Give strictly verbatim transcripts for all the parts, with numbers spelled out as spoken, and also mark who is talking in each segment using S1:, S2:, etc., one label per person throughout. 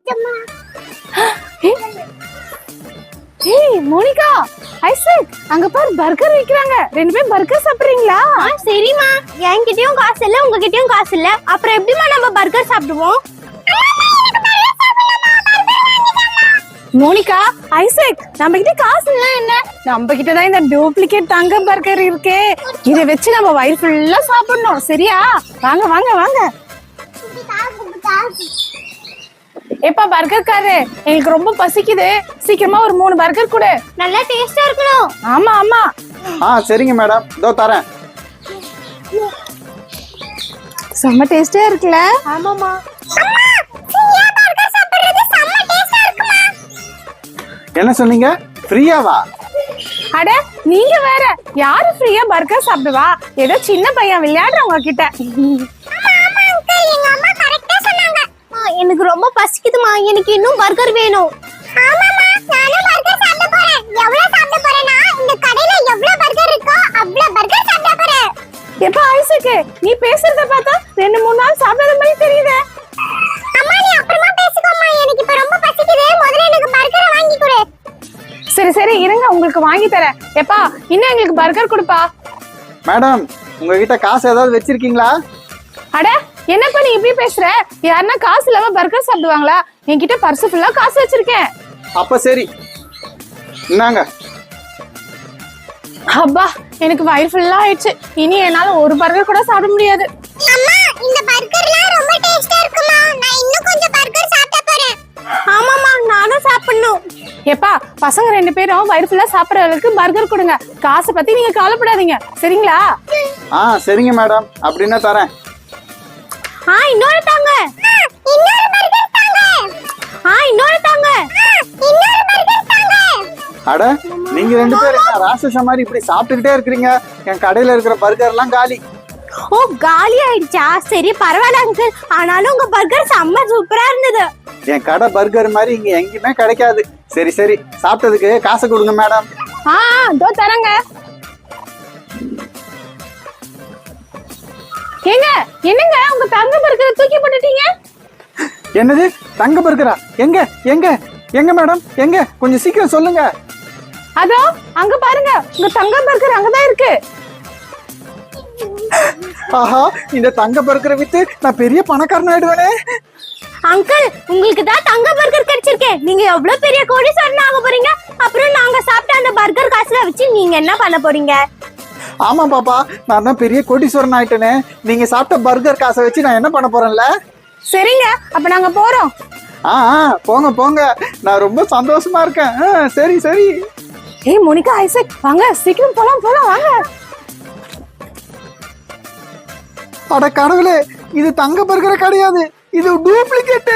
S1: ஏய் Monica, Isaac, அங்க பாரு பர்கர் விக்கிறாங்க. ரெண்டு பேரும் பர்கர் சாப்பிடுறீங்களா?
S2: சரிம்மா, என்கிட்டயும் காசு இல்ல, உங்ககிட்டயும் காசு இல்ல, அப்புறம் எப்படிமா நம்ம பர்கர் சாப்பிடுவோம்?
S1: மோனிகா, ஐசக், நம்ம கிட்ட காசு இல்ல என்ன? நம்ம கிட்ட தான் இந்த டூப்ளிகேட் தங்க பர்கர் இருக்கே. இத வச்சு நம்ம வயிறு ஃபுல்லா சாப்பிடணும். சரியா? வாங்க வாங்க வாங்க. எப்பா பர்கர் காரு, எனக்கு ரொம்ப பசிக்குது. சீக்கிரமா ஒரு மூணு பர்கர் கொடு.
S2: நல்லா டேஸ்டா இருக்கணும்.
S1: ஆமா ஆமா.
S3: ஆ சரிங்க மேடம், இதோ தரேன்.
S1: செம்ம டேஸ்டா இருக்குல்ல?
S2: ஆமாமா.
S3: என்ன சொன்னீங்க? ஃப்ரீயாவா?
S1: அட நீங்க வேற, யாரு ஃப்ரீயா பர்கர் சாப்பிடுவா? ஏதோ சின்ன பையன் விளையாடுறவங்க கிட்ட.
S2: எனக்கு ரொம்ப பசிக்குதுமா, எனக்கு இன்னும் பர்கர் வேணும். ஆமாமா, நானும் பர்கர் சாப்பிட போறேன். எவ்வளவு சாப்பிட போறேன்னா, இந்த கடையில எவ்வளவு பர்கர் இருக்கோ அவ்வளவு பர்கர் சாப்பிட போறேன்.
S1: எப்ப ஐசக், நீ பேசுறத பார்த்தா ரெண்டு மூணு நாள் சாப்பிடாத மாதிரி தெரியுதே.
S2: அம்மா நீ அப்புறமா பேசிக்கோமா, எனக்கு இப்ப ரொம்ப பசிக்குது. முதல்ல எனக்கு பர்கரை வாங்கி கொடு.
S1: சரி சரி இருங்க, உங்களுக்கு வாங்கி தரேன். எப்பா இன்னும் எங்களுக்கு பர்கர் கொடுப்பா.
S3: மேடம், உங்ககிட்ட காசு ஏதாவது வச்சிருக்கீங்களா?
S1: அட என்னப்பா நீ இப்படி பேசுற? யாருன்னா காசு இல்லாம பர்கர் சாப்பிடுவாங்களா? என்கிட்ட பர்ஸ் ஃபுல்லா காசு வச்சிருக்கேன்.
S3: அப்ப சரி, இந்தாங்க.
S1: அப்பா எனக்கு வயிறு ஃபுல்லா ஆயிடுச்சு. இனி என்னால ஒரு பர்கர் கூட சாப்பிட முடியாது.
S2: அம்மா இந்த பர்கர்லாம் ரொம்ப டேஸ்டா இருக்குமா, நான் இன்னும் கொஞ்சம் பர்கர் சாப்பிட போறேன். ஆமாமா, நானும் சாப்பிடணும்.
S1: எப்பா பசங்க ரெண்டு பேரும் வயிறு ஃபுல்லா சாப்பிடுற அளவுக்கு பர்கர் கொடுங்க. காசை பத்தி நீங்க கவலைப்படாதீங்க, சரிங்களா?
S3: ஆ சரிங்க மேடம், அப்படின்னா தரேன்.
S2: ஆ இன்னொரு தாங்க. இன்னொரு பர்கர் தாங்க. ஆ இன்னொரு தாங்க. இன்னொரு பர்கர் தாங்க.
S3: அட நீங்க ரெண்டு பேரும் என்ன ராட்சச மாதிரி இப்படி சாப்பிட்டுக்கிட்டே இருக்கிறீங்க? என் கடையில இருக்கிற பர்கர் எல்லாம் காலி.
S2: ஓ காலி ஆயிடுச்சா? சரி பரவாயில்ல அங்கிள், ஆனாலும் உங்க பர்கர் செம்ம சூப்பரா இருந்தது.
S3: என் கடை பர்கர் மாதிரி இங்க எங்கேயுமே கிடைக்காது. சரி சரி, சாப்பிட்டதுக்கு காசு கொடுங்க மேடம்.
S1: ஆ இதோ தரங்க. ஏங்க என்னங்க உங்க தங்க பர்கரை தூக்கி போட்டுட்டீங்க?
S3: என்னது தங்க பர்கரா? எங்க எங்க எங்க மேடம், எங்க? கொஞ்சம் சீக்கிரம் சொல்லுங்க.
S1: அதோ அங்க பாருங்க, உங்க தங்க பர்கர் அங்கதான் இருக்கு.
S3: ஆஹா, இந்த தங்க பர்கரை வித்து நான் பெரிய பணக்காரன் ஆயிடுவேனே.
S2: அங்கிள் உங்களுக்கு தான் தங்க பர்கர் கிடைச்சிருக்கே, நீங்க எவ்வளவு பெரிய கோடீஸ்வரன் ஆக போறீங்க. அப்புறம் நாங்க சாப்பிட்ட அந்த பர்கர் காசுல வச்சு நீங்க என்ன பண்ண போறீங்க?
S3: ஆமா பாப்பா, நான் தான் பெரிய கோடீஸ்வரன் ஆயிட்டேனே. நீங்க சாப்பிட்ட பர்கர் காசை வச்சு நான் என்ன பண்ண போறேன்ல.
S1: சரிங்க, அப்ப நாங்க போறோம்.
S3: ஆ போங்க போங்க, நான் ரொம்ப சந்தோஷமா இருக்கேன். சரி சரி.
S1: ஏய் மோனிகா, ஐசக் வாங்க, சீக்கிரம் போலாம் போலாம் வாங்க.
S3: அட கடவுளே, இது தங்க பர்கர் கிடையாது, இது டூப்ளிகேட்.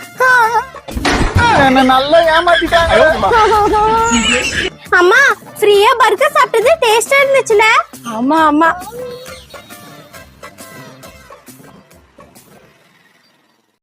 S3: என்ன நல்லா ஏமாத்திட்டாங்க.
S2: அம்மா ஃப்ரீயா பர்கர் சாப்பிட்டது டேஸ்டா இருந்துச்சுல?
S1: ஆமா ஆமா.